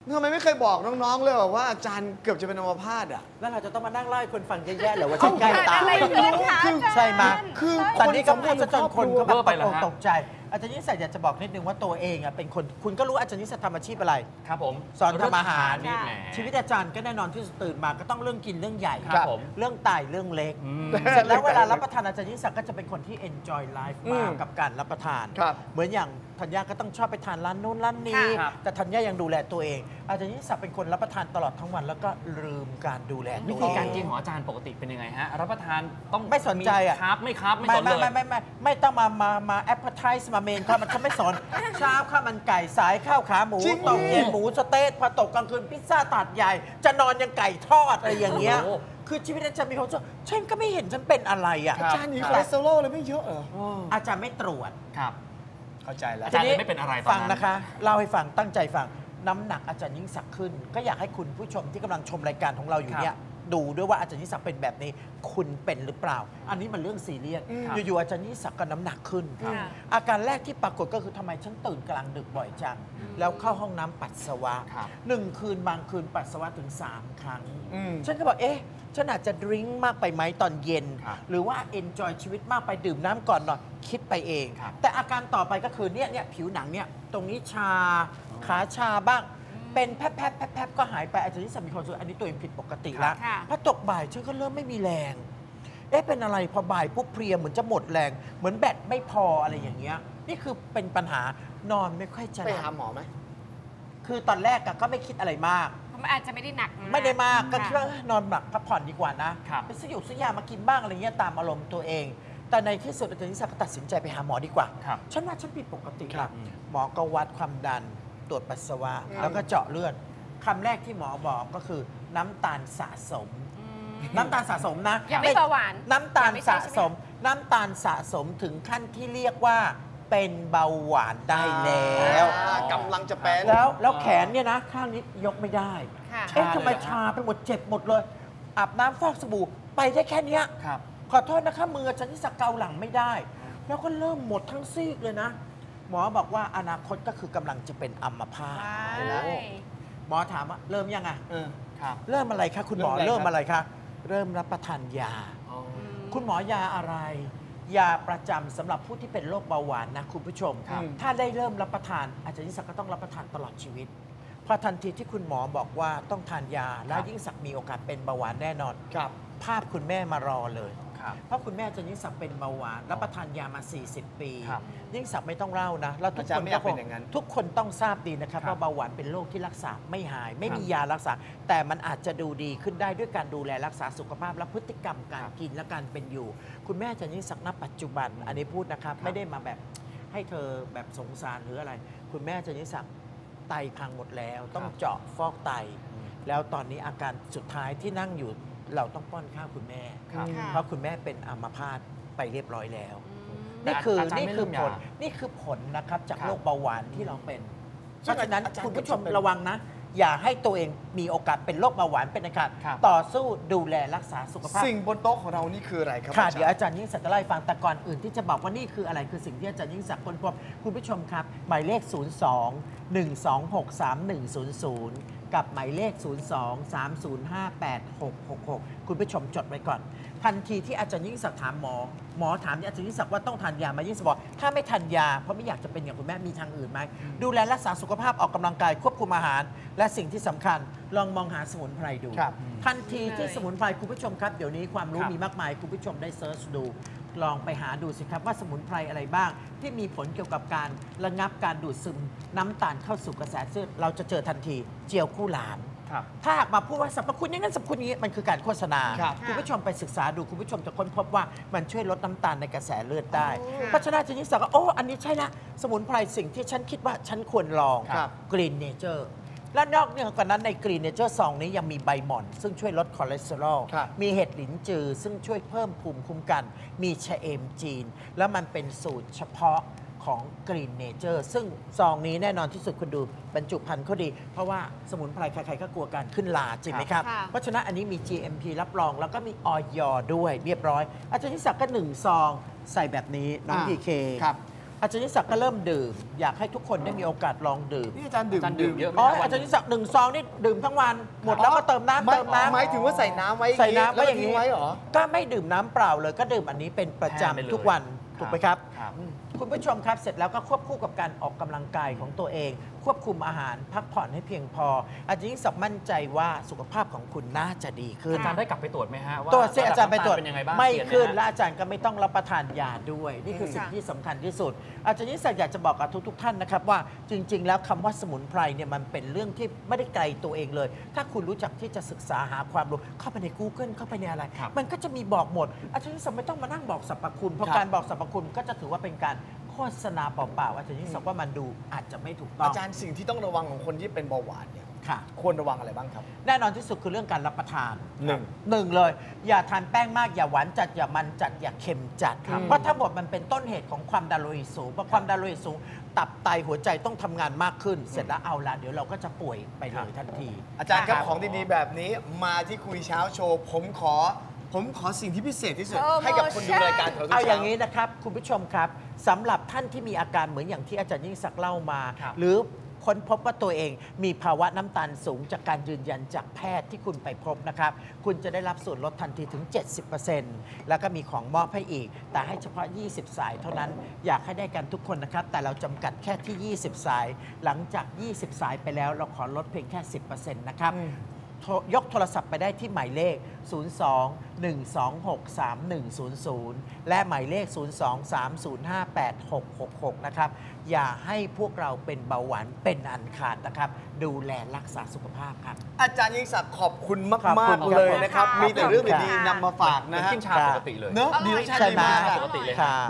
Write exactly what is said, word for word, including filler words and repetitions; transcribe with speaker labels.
Speaker 1: ทำไมไม่เคยบอกน้องๆเลยว่าอาจารย์เกือบจะเป็นอัมพาตอ่ะ
Speaker 2: แล้วเราจะต้องมานั่งไล่คนฟังแย่ๆหรือว่าฉันใกล้ตายใช่ไหม
Speaker 1: คือ
Speaker 2: ตอนนี้ก็พูดจนคนก็แบบตกใจอาจารย์นิสัยอยากจะบอกนิดนึงว่าตัวเองอ่ะเป็นคนคุณก็รู้อาจารย์นิสัยทำอาชีพอะไร
Speaker 3: ครับผม
Speaker 2: สอนทำอาหาร
Speaker 3: ชี
Speaker 2: ชี
Speaker 3: วิ
Speaker 2: วิ
Speaker 3: ต
Speaker 2: ตอาจารย์ก็แน่นอนที่ตื่นมาก็ต้องเรื่องกินเรื่องใหญ่
Speaker 3: ครับผม
Speaker 2: เรื่องไตเรื่องเล็กเสร็จแล้วเวลารับประทานอาจารย์นิสัยก็จะเป็นคนที่ enjoy life มากกับการรับประทานเหมือนอย่างธัญญาก็ต้องชอบไปทานร้านนู้นร้านนี้แต่ธัญญายังดูแลตัวเองอาจารย์นิสัยเป็นคนรับประทานตลอดทั้งวันแล้วก็ลืมการดูแล
Speaker 3: วิธีการกินของอาจารย์ปกติเป็นยังไงฮะรับประทานต้อง
Speaker 2: ไม่สนใจอ่ะ
Speaker 3: ครับไม่ครับไม่สนเลย
Speaker 2: ไม่ไม่ไม่ไม่ต้องมามามาแอปเปิลไทส์มาเมนครับมันก็ไม่สนเช้าข้าวมันไก่สายข้าวขาหมูตกเย็นหมูสเต๊กพอตกกลางคืนพิซซ่าตัดใหญ่จะนอนยังไก่ทอดอะไรอย่างเงี้ยคือชีวิตอาจารย์มีความสุขฉันก็ไม่เห็นฉันเป็นอะไรอ่ะ
Speaker 1: อาจารย์นี่คอเลสเตอรอลเลยไม่เยอะเหรอ
Speaker 2: อาจารย์ไม่ตรวจ
Speaker 3: ครับ
Speaker 1: เข้าใจแล้ว
Speaker 3: อาจารย์ไม่เป็นอะไรตอนนั้น
Speaker 2: ฟังนะคะเล่าให้ฟังตั้งใจฟังน้ำหนักอาจารย์ยิ่งศักดิ์ขึ้นก็อยากให้คุณผู้ชมที่กำลังชมรายการของเราอยู่เนี่ยดูด้วยว่าอาจารย์ยิ่งศักดิ์เป็นแบบนี้คุณเป็นหรือเปล่าอันนี้มันเรื่องซีเรียสอยู่ๆอาจารย์ยิ่งศักดิ์ก็น้ำหนักขึ้นอาการแรกที่ปรากฏก็คือทำไมฉันตื่นกลางดึกบ่อยจังแล้วเข้าห้องน้ำปัสสาวะหนึ่งคืนบางคืนปัสสาวะถึงสามครั้งฉันก็บอกเอ๊ะฉันอาจจะดื่มมากไปไหมตอนเย็นหรือว่าเอนจอยชีวิตมากไปดื่มน้ำก่อนหน่อยคิดไปเองแต่อาการต่อไปก็คือเนี่ยเนี่ยผิวหนังเนี่ยตรงนี้ชาขาชาบ้างเป็นแพบๆแพบๆก็หายไปอาจจะที่สามีคนสุดอันนี้ตัวเองผิดปกติแล้วพอตกบ่ายฉันก็เริ่มไม่มีแรงเอ๊ะเป็นอะไรพอบ่ายปุ๊บเพลียเหมือนจะหมดแรงเหมือนแบตไม่พออะไรอย่างเงี้ยนี่คือเป็นปัญหานอนไม่ค่อยจะ
Speaker 1: ไปหาหมอไหม
Speaker 2: คือตอนแรกก็ไม่คิดอะไรมาก
Speaker 4: มันอาจจะไม่ได้หนัก
Speaker 2: ไม่ได้มากก็คิดว่านอนหลับพักผ่อนดีกว่านะไปซื้อหยุกซื้อยามากินบ้างอะไรเงี้ยตามอารมณ์ตัวเองแต่ในที่สุดอาจารย์นิสัยก็ตัดสินใจไปหาหมอดีกว่าฉันว่าฉันผิดปกติหมอก็วัดความดันตรวจปัสสาวะแล้วก็เจาะเลือดคำแรกที่หมอบอกก็คือน้ำตาลสะสมน้ำตาลสะสมนะ
Speaker 4: ยังไม่เบาหวาน
Speaker 2: น้ำตาลสะสมน้ำตาลสะสมถึงขั้นที่เรียกว่าเป็นเบาหวานได้แล้ว
Speaker 1: กำลังจะเป็น
Speaker 2: แล้วแล้วแขนเนี่ยนะข้างนี้ยกไม่ได้เอ๊ะทำไมชาไปหมดเจ็บหมดเลยอาบน้ำฟอกสบู่ไปได้แค่นี้ขอโทษนะคะมือฉันที่สักเกาหลังไม่ได้แล้วก็เริ่มหมดทั้งซีกเลยนะหมอบอกว่าอนาคตก็คือกำลังจะเป็นอัมพาตหมอถามว่าเริ่มยังไงเริ่มอะไรคะคุณหมอเริ่มอะไรคะเริ่มรับประทานยาคุณหมอยาอะไรยาประจำสำหรับผู้ที่เป็นโรคเบาหวานนะคุณผู้ชมถ้าได้เริ่มรับประทานอาจารย์ยิ่งศักดิ์ก็ต้องรับประทานตลอดชีวิตพอทันทีที่คุณหมอบอกว่าต้องทานยาแล้วยิ่งศักดิ์มีโอกาสเป็นเบาหวานแน่นอนภาพคุณแม่มารอเลยเพราะคุณแม่อาจารย์ยิ่งศักดิ์เป็นเบาหวานรับประทานยามาสี่สิบปียิ่งศักดิ์ไม่ต้องเล่านะแล้วทุกคนก็คงทุกคนต้องทราบดีนะครับว่าเบาหวานเป็นโรคที่รักษาไม่หายไม่มียารักษาแต่มันอาจจะดูดีขึ้นได้ด้วยการดูแลรักษาสุขภาพและพฤติกรรมการกินและการเป็นอยู่คุณแม่อาจารย์ยิ่งศักดิ์ณปัจจุบันอันนี้พูดนะครับไม่ได้มาแบบให้เธอแบบสงสารหรืออะไรคุณแม่อาจารย์ยิ่งศักดิ์ไตพังหมดแล้วต้องเจาะฟอกไตแล้วตอนนี้อาการสุดท้ายที่นั่งอยู่เราต้องป้อนข้าวคุณแม่เพราะคุณแม่เป็นอัมพาตไปเรียบร้อยแล้วนี่คือนี่คือผลนี่คือผลนะครับจากโรคเบาหวานที่เราเป็นเพราะฉะนั้นคุณผู้ชมระวังนะอย่าให้ตัวเองมีโอกาสเป็นโรคเบาหวานเป็นนะครับต่อสู้ดูแลรักษาสุขภาพ
Speaker 1: สิ่งบนโต๊ะของเรานี่คืออะไรครับ
Speaker 2: ค่ะเดี๋ยวอาจารย์ยิ่งศักดิ์จะเล่าให้ฟังแต่ก่อนอื่นที่จะบอกว่านี่คืออะไรคือสิ่งที่อาจารย์ยิ่งศักดิ์ค้นพบคุณผู้ชมครับหมายเลขศูนย์ สอง หนึ่ง สอง หก สาม หนึ่ง ศูนย์ ศูนย์กับหมายเลข ศูนย์ สอง สาม ศูนย์ ห้า แปด หก หก หก คุณผู้ชมจดไว้ก่อนทันทีที่อาจารย์ยิ่งศักดิ์ถามหมอหมอถามอาจารย์ยิ่งศักดิ์ว่าต้องทานยาไหมยิ่งศักดิ์บอกถ้าไม่ทานยาเพราะไม่อยากจะเป็นอย่างคุณแม่มีทางอื่นไหมดูแลรักษาสุขภาพออกกำลังกายควบคุมอาหารและสิ่งที่สำคัญลองมองหาสมุนไพรดูทันทีที่สมุนไพรคุณผู้ชมครับเดี๋ยวนี้ความรู้มีมากมายคุณผู้ชมได้เซิร์ชดูลองไปหาดูสิครับว่าสมุนไพรอะไรบ้างที่มีผลเกี่ยวกับการระงับการดูดซึมน้ำตาลเข้าสู่กระแสเลือดเราจะเจอทันทีเจียวคู่หลานถ้าหากมาพูดว่าสรรพคุณอย่างนั้นสรรพคุณนี้มันคือการโฆษณาคุณผู้ชมไปศึกษาดูคุณผู้ชมจะค้นพบว่ามันช่วยลดน้ำตาลในกระแสเลือดได้เพราะฉะนั้นอาจารย์ยิ่งศักดิ์ก็โอ้อันนี้ใช่ละสมุนไพรสิ่งที่ฉันคิดว่าฉันควรลองกรีนเนเจอร์และนอกจากนั้นในกรีนเนเจอร์ซองนี้ยังมีใบหม่อนซึ่งช่วยลดคอเลสเตอรอลมีเห็ดหลินจือซึ่งช่วยเพิ่มภูมิคุ้มกันมีชะเอมจีนแล้วมันเป็นสูตรเฉพาะของ Green Nature ซึ่งซองนี้แน่นอนที่สุดคุณดูบรรจุภัณฑ์เขาดีเพราะว่าสมุนไพรใครๆก็กลัวการขึ้นลาจริงไหมครับเพราะฉะนั้นอันนี้มี จี เอ็ม พี รับรองแล้วก็มีออย ด้วยเรียบร้อยอาจารย์ยิ่งศักดิ์ก็หนึ่งซองใส่แบบนี้น้องพีเคอาจารย์ยิ่งศักดิ์ก็เริ่มดื่มอยากให้ทุกคนได้มีโอกาสลองดื่ม
Speaker 1: นี่อาจารย์ดื่ม
Speaker 3: อาจารย์ดื่มเยอะไหม
Speaker 2: อ๋อ
Speaker 3: ครับ
Speaker 2: อาจารย์ยิ่งศักดิ์หนึ่งซองนี่ดื่มทั้งวันหมดแล้วก็เติมน้ำ
Speaker 1: ไม่
Speaker 2: เติมน้ำ
Speaker 1: หมายถึงว่าใส่น้ำไว้
Speaker 2: ใส่น้ำ
Speaker 1: แล้ว
Speaker 2: ไว้อย่าง
Speaker 1: ทิ้
Speaker 2: นี้
Speaker 1: งไว้เหรอ
Speaker 2: ก็ไม่ดื่มน้ำเปล่าเลยก็ดื่มอันนี้เป็นประ
Speaker 3: แทนไปเลย
Speaker 2: จำทุกวันถูกไหมครับ
Speaker 3: ครับ
Speaker 2: คุณผู้ชมครับเสร็จแล้วก็ควบคู่กับการออกกำลังกายของตัวเอง ควบคุมอาหารพักผ่อนให้เพียงพอ อาจารย์ยิ่งศักดิ์มั่นใจว่าสุขภาพของคุณน่าจะดีขึ้น
Speaker 3: อาจารย์ได้กลับไปตรวจไหมฮะว่า
Speaker 2: ตรวจเสียอาจารย์ไปตรวจ
Speaker 3: เป็นยังไงบ้าง
Speaker 2: ไม่
Speaker 3: เปลี่ยนห
Speaker 2: ขึ้น
Speaker 3: ฮะ
Speaker 2: และอาจารย์ก็ไม่ต้องรับประทานยาด้วย นี่คือสิ่งที่สำคัญที่สุด อาจารย์ยิ่งศักดิ์อยากจะบอกกับทุกๆท่านนะครับว่าจริง ๆ แล้วคำว่าสมุนไพรเนี่ยมันเป็นเรื่องที่ไม่ได้ไกลตัวเองเลย ถ้าคุณรู้จักที่จะศึกษาหาความรู้เข้าไปใน Google เข้าไปในอะไร
Speaker 3: ครับ
Speaker 2: มันก็จะมีบอกหมด อาจารย์ยิ่งศักดิ์ไม่ต้องมานั่งบอกสรรพคุณเพราะ
Speaker 1: ครับ
Speaker 2: การบอกสรรพคุณก็จะถือว่าเป็นการโฆษณาเปล่าๆอาจารย์ยิ่งศักดิ์ว่ามันดูอาจจะไม่ถูกต้อง
Speaker 1: อาจารย์สิ่งที่ต้องระวังของคนที่เป็นเบาหวานเนี่ย
Speaker 2: ค่ะ
Speaker 1: ควรระวังอะไรบ้างครับ
Speaker 2: แน่นอนที่สุดคือเรื่องการรับประทาน
Speaker 1: หนึ่ง
Speaker 2: หนึ่งเลย อย่าทานแป้งมากอย่าหวานจัดอย่ามันจัดอย่าเค็มจัด
Speaker 1: ครับ
Speaker 2: เพราะทั้งหมดมันเป็นต้นเหตุของความดันโลหิตสูงเพราะความดันโลหิตสูง ตับไตหัวใจต้องทำงานมากขึ้น เสร็จแล้วเอาละเดี๋ยวเราก็จะป่วยไปเลยทันที
Speaker 1: อาจารย์ครับของดีๆแบบนี้มาที่คุยเช้าโชว์ผมขอ ผมขอสิ่งที่พิเศษที่สุด
Speaker 4: โปรโมชั่น
Speaker 1: ให้กับคนดูรายการของเราทุก
Speaker 2: เอาอย่าง
Speaker 1: นี้
Speaker 2: นี้นะครับ คุณผู้ชมครับสำหรับท่านที่มีอาการเหมือนอย่างที่อาจารย์ยิ่งศักดิ์เล่ามา
Speaker 3: ครับ
Speaker 2: หรือค้นพบว่าตัวเองมีภาวะน้ำตาลสูงจากการยืนยันจากแพทย์ที่คุณไปพบนะครับ คุณจะได้รับส่วนลดทันทีถึง เจ็ดสิบเปอร์เซ็นต์ แล้วก็มีของมอบให้อีก แต่ให้เฉพาะ ยี่สิบ สายเท่านั้นอยากให้ได้กันทุกคนนะครับ แต่เราจำกัดแค่ที่ ยี่สิบ สาย หลังจาก ยี่สิบ สายไปแล้วเราขอลดเพียงแค่ สิบเปอร์เซ็นต์ นะครับ โทรยกโทรศัพท์ไปได้ที่หมายเลข ศูนย์ สอง หนึ่ง สอง หก สาม หนึ่ง ศูนย์ ศูนย์ และหมายเลข ศูนย์ สอง สาม ศูนย์ ห้า แปด หก หก หก นะครับ อย่าให้พวกเราเป็นเบาหวานเป็นอันขาดนะครับ ดูแลรักษาสุขภาพครับ
Speaker 1: อาจารย์ยิ่งศักดิ์ขอบคุณมาก
Speaker 2: ขอบคุณ
Speaker 1: ๆเลยนะครับ
Speaker 4: ครับ
Speaker 1: มีแต่เรื่องดี
Speaker 4: ขอบคุณ
Speaker 1: ๆนำมาฝาก
Speaker 3: เหมือ
Speaker 1: นะ
Speaker 3: น
Speaker 1: ฮะ
Speaker 3: กินชาปกติเลย
Speaker 1: เนอะ
Speaker 4: อร่
Speaker 1: ดี
Speaker 4: อย
Speaker 1: รสชาติ
Speaker 2: ใช่
Speaker 1: ดี
Speaker 2: ไหม
Speaker 1: มากอะ
Speaker 3: ปกติเลย
Speaker 2: ค่ะ